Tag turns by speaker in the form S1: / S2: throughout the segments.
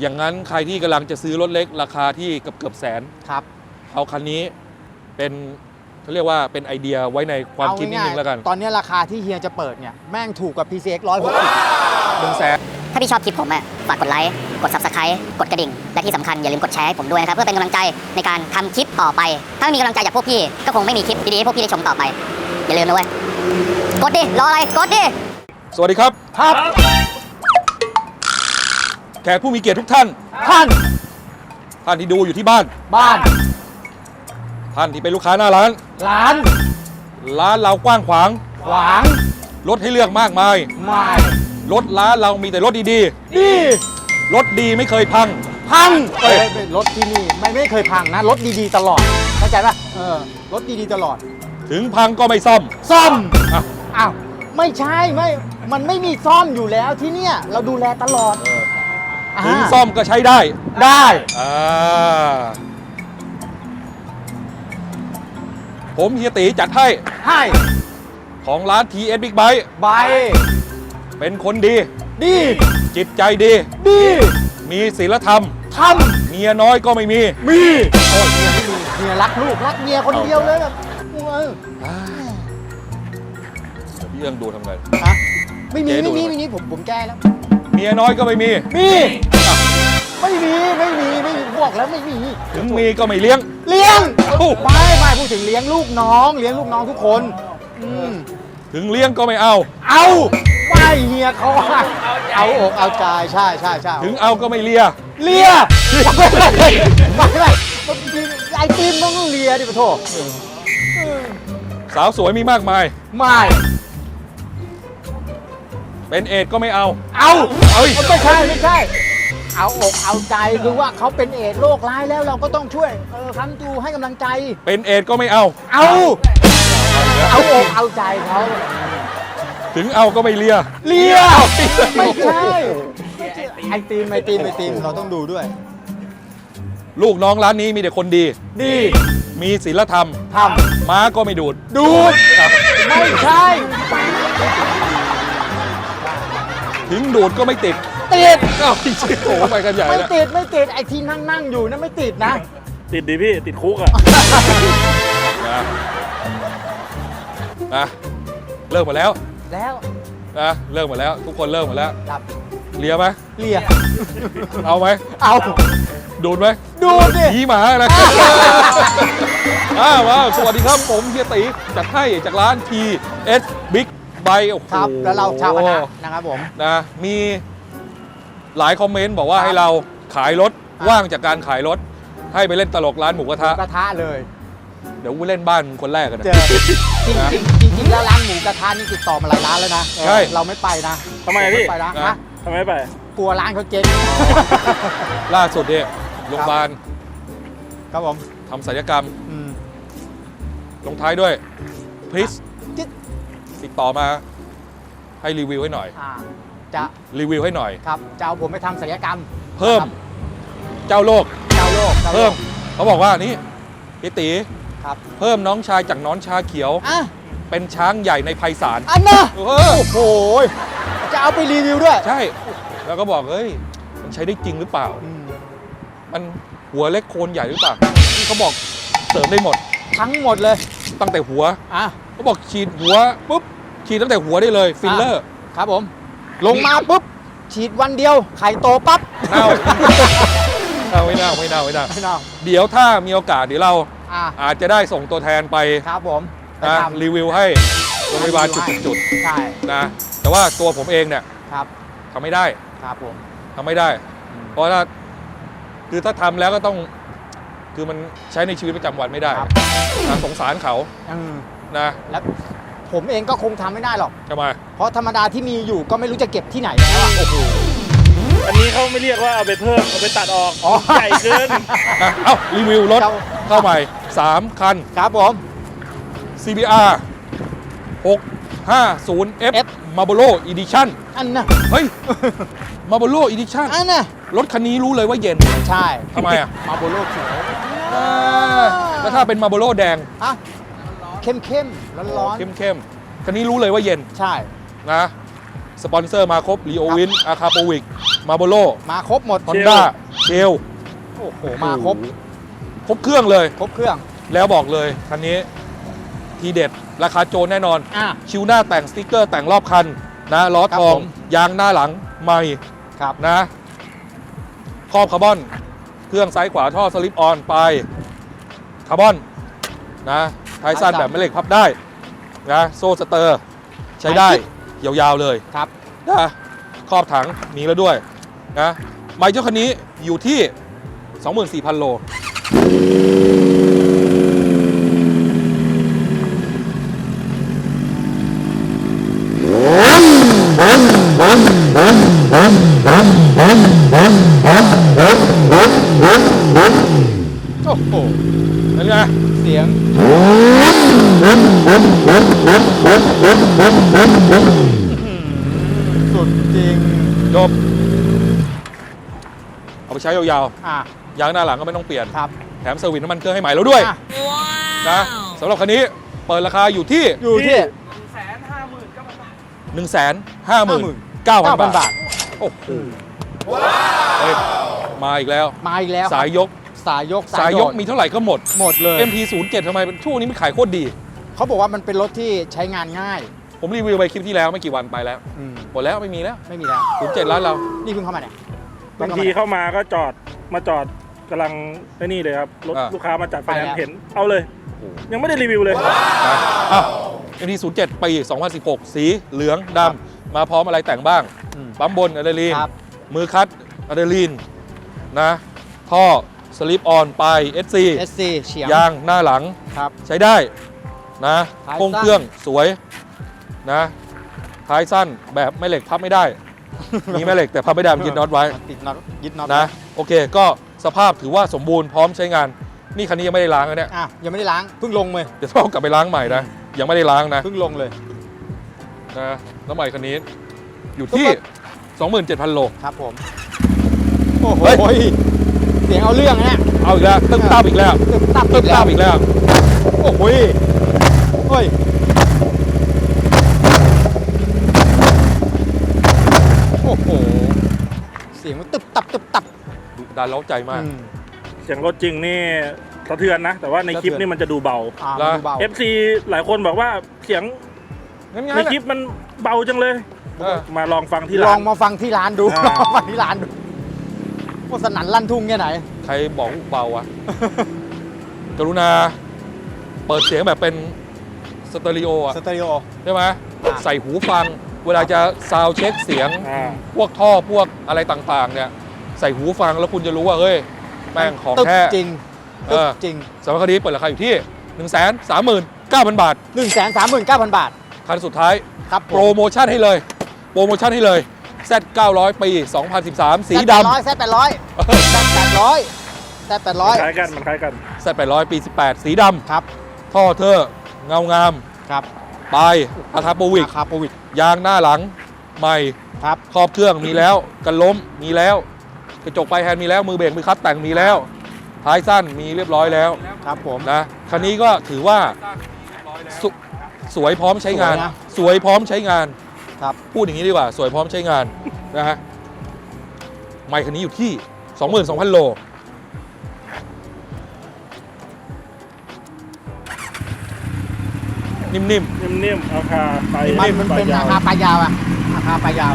S1: อย่างนั้นใครที่กำลังจะซื้อรถเล็กราคาที่เกือบแสน
S2: ครับ
S1: เอาคันนี้เป็นเขาเรียกว่าเป็นไอเดียไว้ในความคิดนิดนึงแล้วกัน
S2: ตอนนี้ราคาที่เฮียจะเปิดเนี่ยแม่งถูกกว่า PCX
S1: 100,000
S3: ถ้าพี่ชอบคลิปผมฝากกดไลค์ กด Subscribe กดกระดิ่ง และที่สำคัญอย่าลืมกดแชร์ให้ผมด้วยนะครับ เพื่อเป็นกำลังใจในการทำคลิปต่อไป ถ้าไม่มีกำลังใจจากพวกพี่ ก็คงไม่มีคลิปดีๆให้พวกพี่ได้ชมต่อไป อย่าลืมนะเว้ย กดดิ รออะไร กดดิ
S1: สวัสดีครับ
S2: ครับ
S1: แขกผู้มีเกียรติทุกท่าน
S2: ท่าน
S1: ท่านที่ดูอยู่ที่บ้าน
S2: บ้าน
S1: ท่านที่เป็นลูกค้าหน้าร้าน
S2: ร้าน
S1: ร้านเรากว้างขวาง
S2: ขวาง
S1: รถให้เลือกมากมาย
S2: ไม่
S1: รถร้านเรามีแต่รถดี
S2: ดี
S1: ๆรถดีไม่เคยพัง
S2: พัง
S1: เอ้ย
S2: รถที่นี่ไม่เคยพังนะรถดีๆตลอดเข้าใจป่ะรถดีๆตลอด
S1: ถึงพังก็ไม่ซ่อม
S2: ซ่อม
S1: อ่ะ
S2: อ้าวไม่ใช่มันไม่มีซ่อมอยู่แล้วที่เนี่ยเราดูแลตลอด
S1: ถึงซ่อมก็ใช้ได้
S2: ได้
S1: ผมเฮียตีจัดให้
S2: ให้
S1: ของร้าน TS Big Bike
S2: ใบ
S1: เป็นคนดี
S2: ดี
S1: จิตใจดี
S2: ดี
S1: มีศีลธรรม
S2: ท
S1: เมียน้อยก็ไม่มี
S2: ำมีโอ้ยเมียไม่มีเมียรักลูกรักเมียคนเดียวเลยแบบเออ
S1: พี่เอื้องดูทำไง
S2: ฮะไม่มี
S1: เจ๊ดู
S2: ไม่มีผมแก้แล้ว
S1: เมียน้อยก็ไม่มี
S2: มีไม่มีบอกแล้วไม่มี
S1: ถึงมีก็ไม่เลี้ยง
S2: เลี้ยง
S1: เอ้า
S2: ไม่พูดถึงเลี้ยงลูกน้องทุกคน
S1: ถึงเลี้ยงก็ไม่เอา
S2: เอาไม่เฮียเขาว่าเอาอกเอาใจใช่
S1: ถึงเอาก็ไม่เลีย
S2: เลียไม่ไอติมต้องเลียดิปะโถ
S1: สาวสวยมีมากมาย
S2: ไม่
S1: เป็นเอดส์ก็ไม่เอา
S2: เอา
S1: เอ้ย
S2: ไม่ใช่ เอาอกเอาใจคือว่าเขาเป็นเอดส์โรคร้ายแล้วเราก็ต้องช่วยค้ำจูให้กำลังใจ
S1: เป็นเอดส์ก็ไม่เอา
S2: เอาอกเอาใจเขา
S1: ถึงเอาก็ไม่เลีย
S2: เลียไม่ใช่ไอติมเราต้องดูด้วย
S1: ลูกน้องร้านนี้มีแต่คนดี
S2: ดี
S1: มีศีลธรรม
S2: ท
S1: ม้าก็ไม่ดูด
S2: ำดูด
S1: ครับ
S2: ไม่ใช่
S1: ถึงดูดก็ไม่ติด
S2: ติด
S1: อ้าวจริงๆโอ้โหไปกันใหญ่
S2: ไม่
S1: แล้ว
S2: ติดไอที่นั่งอยู่นั่นไม่ติดนะ
S4: ติดดิพี่ ติดคุกอ่ะ
S1: นะเลิกหมดแล้ว
S2: แล้ว
S1: นะเลิกหมดแล้ว ทุกคนเลิกหมดแล้ว
S2: ดับ
S1: เลียไหม
S2: เลีย
S1: เอาไหม
S2: เอา
S1: ดูดไหม
S2: ดูดิ
S1: ผีหมาอะไร มาสวัสดีครับผมเฮียตีจัดให้จากร้าน TS Big Bike โอ้โห
S2: ครับแล้วเราชาวคณะนะครับผม
S1: นะมีหลายคอมเมนต์บอกว่าให้เราขายรถว่างจากการขายรถ ให้ไปเล่นตลกร้านหมูกระทะ
S2: กระทะเลย
S1: เดี๋ยวกูเล่นบ้านคนแรกกันนะ
S2: เจอจริงแล้วร้านหมูกระทะนี่ติดต่อมาหลายร้านแล้วนะ
S1: ใช่
S2: เราไม่ไปนะ
S4: ทำไมพี่
S2: ไม่ไปนะ
S1: นะ
S2: ฮะ
S4: ทำไมไม่ไป
S2: กลัวร้านเขาเจ๊ง
S1: ล่าสุดเนี่ยโรงพยาบาล
S2: ครับผม
S1: ทำศัลยกรรม
S2: อืม
S1: ลงท้ายด้วยพริส
S2: จิ๊ด
S1: ติดต่อมาให้รีวิวให้หน่อย
S2: จะ
S1: รีวิวให้หน่อย
S2: ครับจะเอาผมไปทำศัลยกรรม
S1: เพิ่ม
S2: ครับ
S1: เจ้าโลก
S2: เจ้าโลก
S1: เพิ่มเขาบอกว่านี่พี่ตี
S2: ครับ
S1: เพิ่มน้องชายจากน้องชาเขียว
S2: อ่ะ
S1: เป็นช้างใหญ่ในไพศาล
S2: อันน่ะ
S1: เออ
S2: โอ้โหจะเอาไปรีวิวด้วย
S1: ใช่ แล้วก็บอกเฮ้ยมันใช้ได้จริงหรือเปล่า
S2: อืม
S1: มันหัวเล็กโคนใหญ่หรือเปล่านี่เขาบอกเสริมได้หมด
S2: ทั้งหมดเลย
S1: ตั้งแต่หัว
S2: อ่ะ
S1: เขาบอกฉีดหัวปุ๊บฉีดตั้งแต่หัวได้เลยฟิลเลอร์
S2: ครับผม ลงมาปุ๊บฉีดวันเดียวไข่โตปั๊บ
S1: เน่า ไม่เน่า
S2: ไม่เน่า
S1: เดี๋ยวถ้ามีโอกาสเดี๋ยวเรา
S2: อ่ะ
S1: อาจจะได้ส่งตัวแทนไป
S2: ครับผม
S1: นะ
S2: ไปทำ
S1: รีวิวให้โรงพยาบาลจุด
S2: ใช่
S1: ๆนะแต่ว่าตัวผมเองเนี่ย
S2: ครับ
S1: ทำไม่ได้
S2: ครับผม
S1: ทำไม่ได้ เพราะถ้าคือถ้าทำแล้วก็ต้องคือมันใช้ในชีวิตประจำวันไม่ได้
S2: ครับ
S1: นะสงสารเขา
S2: อืม
S1: นะ
S2: แล้วผมเองก็คงทำไม่ได้หรอก
S1: จะมา
S2: เพราะธรรมดาที่มีอยู่ก็ไม่รู้จะเก็บที่ไหนแล้วอะ
S1: โอ้โห
S4: อันนี้เขาไม่เรียกว่าเอาไปเพิ่ม เอาไปตัดออก
S2: อ๋อ
S4: ใหญ่เกิน
S1: อ่ะเอ้ารีวิวรถ
S2: เจ้า
S1: เข้าใหม่ 3 คัน
S2: ครับผม
S1: CBR 650F
S2: F
S1: Marlboro Edition
S2: อันน่ะ
S1: เฮ้ย Marlboro Edition
S2: อันน่ะ
S1: รถคันนี้รู้เลยว่าเย็น
S2: ใช่
S1: ทำไมอ่ะ
S2: มาโบโลเขียว
S1: แล้วถ้าเป็น Marlboro แดง
S2: อ่ะเข้มร้อน
S1: เข้มๆคันนี้รู้เลยว่าเย็น
S2: ๆใช่
S1: นะสปอนเซอร์มาครบลีโอวินอาคาโปวิกมาโบโล
S2: มาครบหมด
S1: ฮอนด้าเชล
S2: โอ้โหมาครบ
S1: ครบเครื่องเลย
S2: ครบเครื่อง
S1: แล้วบอกเลยคันนี้ทีเด็ดราคาโจรแน่นอน
S2: อ่ะ
S1: ชิวหน้าแต่งสติ๊กเกอร์แต่งรอบคันนะล้อ
S2: ครับ
S1: ทอง
S2: ผม
S1: ยางหน้าหลังใหม่
S2: ครับ
S1: นะครอบคาร์บอน เครื่องซ้ายขวาท่อสลิปออนไปคาร์บอนนะท้ายสั้นแบบแม่เหล็กพับได้นะโซ่สเตอร์ใช้ได้ยาวๆเลย
S2: ครับ
S1: นะครอบถังมีแล้วด้วยนะไมค์เจ้าคันนี้อยู่ที่ 24,000 โล
S2: โอ้โห
S1: นั่นไง
S2: เสียงสุดจริง
S1: จบเอาไปใช้ยาว
S2: อ่ะ
S1: ๆยางหน้าหลังก็ไม่ต้องเปลี่ยน
S2: ครับ
S1: แถมเซอร์วิสน้ำมันเครื่องให้ใหม่แล้วด้วย
S2: อ่ะ
S1: นะสำหรับคันนี้เปิดราคาอยู่ที่
S2: อยู่ที่
S1: 159,000 บาท โอ้โหเฮ้ยมาอีกแล้ว
S2: มาอีกแล้ว
S1: สายยก
S2: สายยก
S1: สายยก
S2: โดด
S1: มีเท่าไหร่ก็หมด
S2: หมดเลย
S1: MT-07 ทำไมช่วงนี้มันขายโคตรดี
S2: เขาบอกว่ามันเป็นรถที่ใช้งานง่าย
S1: ผมรีวิวไปคลิปที่แล้วไม่กี่วันไปแล้ว หมดแล้วไม่มีแล้ว
S2: ไม่มีแล้ว
S1: 07ร้านเรา
S2: นี่เพิ่งเข้ามาเนี่ย
S4: บางทีเข้ามาก็จอดกำลังไอ้นี่เลยครับรถ
S1: อ่า
S4: ลูกค้ามาจัดไฟแนน
S2: ไปแล้ว
S4: ซ์เห็นเอาเลย ยังไม่ได้รีวิวเลย
S1: นะอ้าว MT-07 ปี 2016 สีเหลืองดำมาพร้อมอะไรแต่งบ้าง
S2: อืม
S1: ปั๊มบนอะดรีนาลีน
S2: ครับ
S1: มือคัดอะดรีนาลีนนะท่อสลิปออนไป SC
S2: SC เฉียง
S1: ยางหน้าหลัง
S2: ครับ
S1: ใช้ได้นะ
S2: ท้ายสั้น
S1: โครงเครื่องสวยนะท้ายสั้นแบบแม่เหล็กพับไม่ได้ มีแม่เหล็กแต่พับไม่ได้มันยึดน็อตไว้
S2: ติดน็อตยึดน็อต
S1: นะโอเคก็สภาพถือว่าสมบูรณ์พร้อมใช้งาน นี่คันนี้ยังไม่ได้ล้างนะเนี่ย
S2: อ่ะยังไม่ได้ล้างเพิ่งลงเลย
S1: เดี๋ยวต้องเอากลับไปล้างใหม่นะยังไม่ได้ล้างนะ
S2: เพิ่งลงเลย
S1: นะแล้วใหม่คันนี้อยู่ที่ 27,000 โล
S2: ครับผมโอ้โห
S1: เฮ้ย
S2: เสียงเอาเรื่องนะเนี่ย
S1: เอาอีกแล้วตึ้มตามอีกแล้ว
S2: ตึบตับ
S1: ตึ้มตามอีกแล้ว
S2: โอ้โหเฮ้ยโอ้โหเสียงมันตึบตับตึบตับ
S1: ดุดันเล้าใจมาก
S2: อืม
S4: เสียงรถจริงนี่สะเทือนนะ แต่ว่าในคลิป
S2: สะเทือน
S4: นี่มันจะดูเบา
S2: อ่า
S1: แล้ว
S2: ดูเบา
S4: FC หลายคนบอกว่าเสียง
S1: งั้น
S4: ในคลิปมันเบาจังเลย มาลองฟังที่
S2: ล
S4: ร้า
S2: อง
S4: น
S2: มาฟังที่ร้านดู
S4: อ่า
S2: ลองมาฟังที่ร้านดูว่าสนั่นลั่นทุ่งแค่ไหน
S1: ใครบอกเบา อะกรุณาเปิดเสียงแบบเป็นสเตอริโออะ
S2: สเตอริโอ
S1: ใช่ไหม
S2: อ่า
S1: ใส่หูฟัง เวลาจะซาวด์เช็คเสียง
S4: อ่า
S1: พวกท่อพวกอะไรต่างๆ เนี่ย ใส่หูฟังแล้วคุณจะรู้ว่า เฮ้ย แม่งของ
S2: ตึบ
S1: แท้
S2: จริง
S1: เอ
S2: ตึบ
S1: อ
S2: จริง
S1: สำหรับคดีเปิดราคาอยู่ที่ 139,000 บาท
S2: 139,000 บาท
S1: คันสุดท้าย
S2: ครับ
S1: โปรโมชั่นให้เลย โปรโมชั่นให้เลย Z 900 ปี 2013 สีดำ
S2: แซด800แซด800
S4: คล้ายกันมันคล้ายกัน
S1: Z 800 ปี 18 สีด
S2: ครับ
S1: ำท่อเทอร์เงางาม
S2: ครับ
S1: ปลายอาทาโปวิก
S2: ราคาโปรวิก
S1: ยางหน้าหลังใหม่
S2: ครับ
S1: ครอบเครื่องมีแล้ว กันล้มมีแล้ว กระจกไฟแฮนด์มีแล้ว มือเบรกมือคัดแต่งมีแล้ว ท้ายสั้นมีเรียบร้อยแล้ว
S2: ครับผม
S1: นะคันนี้ก็ถือว่าสสวยพร้อมใช้งาน
S2: สวยนะ
S1: สวยพร้อมใช้งาน
S2: ครับ
S1: พูดอย่างนี้ดีกว่า สวยพร้อมใช้งาน นะฮะไมค์คันนี้อยู่ที่ 22,000 โล นิ่ม
S4: นิ่มๆราคาไป
S2: มันเป็น
S4: ย
S2: ราคาปลายาวอะราคาปลายาว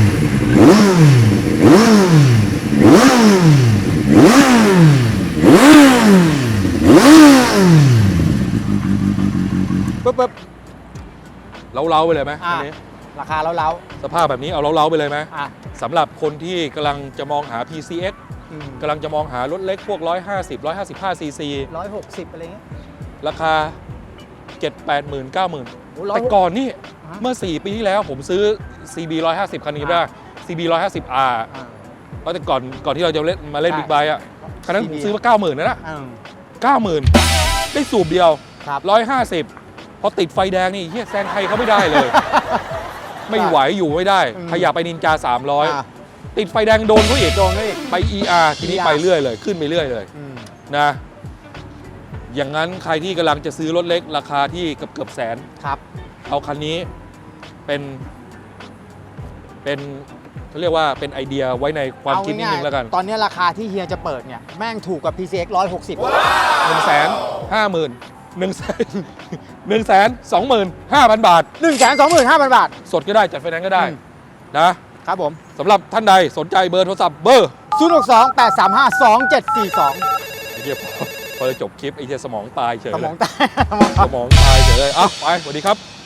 S2: ปึ๊บปึ๊บ
S1: ๆเล้าๆไปเลยไหม
S2: อ่า
S1: คันนี้
S2: ราคาเล้า
S1: สภาพแบบนี้เอาเล้าๆไปเลยไหม
S2: ๆอ่ะ
S1: สำหรับคนที่กำลังจะมองหา PCX
S2: อืม
S1: กำลังจะมองหารถเล็กพวก 150 155 cc
S2: 160อะไรเงี้ย
S1: ราคา 7 8 0 0 0 9 0,000
S2: โอ้
S1: แต่ก่อนนี่
S2: ฮะ
S1: เมื่อ 4 ปีที่แล้วผมซื้อ CB 150 คันนี้ได้ CB 150R
S2: อ่า
S1: เพราะแต่ก่อนที่เราจะมาเล่น
S2: ใช่
S1: บิ๊กไบค์อ่ะคันนั้น
S2: CB
S1: ผมซื้อมา 90,000นะ
S2: อืม
S1: 90,000 ได้สูบเดียว
S2: ครับ
S1: 150 พอติดไฟแดงนี่เฮียแซงใครเขาไม่ได้เลย ไม่ไหวอยู่ไม่ได้
S2: อืม
S1: ขยับไปนินจา
S2: อ่า
S1: 300 ติดไฟแดงโดนเขาอีก
S2: โดนด้วยอีก
S1: ไป ER ทีนี้
S2: ER
S1: ไปเรื่อยเลย ขึ้นไปเรื่อยเลย
S2: อืม
S1: นะ อย่างนั้นใครที่กำลังจะซื้อรถเล็กราคาที่เกือบแสน
S2: ครับ
S1: เอาคันนี้เป็นเป็นเขาเรียกว่าเป็นไอเดียไว้ในความคิดนิดนึงแล้วกัน
S2: ตอนนี้ราคาที่เฮียจะเปิดเนี่ยแม่งถูกกว่า PCX 160
S1: 125,000 บาท
S2: 125,000 บาท
S1: สดก็ได้จัดไฟแนนซ์ก็ได้
S2: อืม
S1: นะครับ
S2: ผม
S1: สำหรับท่านใดสนใจเบอร์โทรศัพท์เบอร์
S2: 062-835-2742
S1: ไอ้เหี้ยพอจะจบคลิปไอ้เหี้ยสมองตายเฉย
S2: ส
S1: เล
S2: มอง
S1: ย
S2: ตาย
S1: สมองตายเฉยเลยอ่ะไปสวัสดีครับ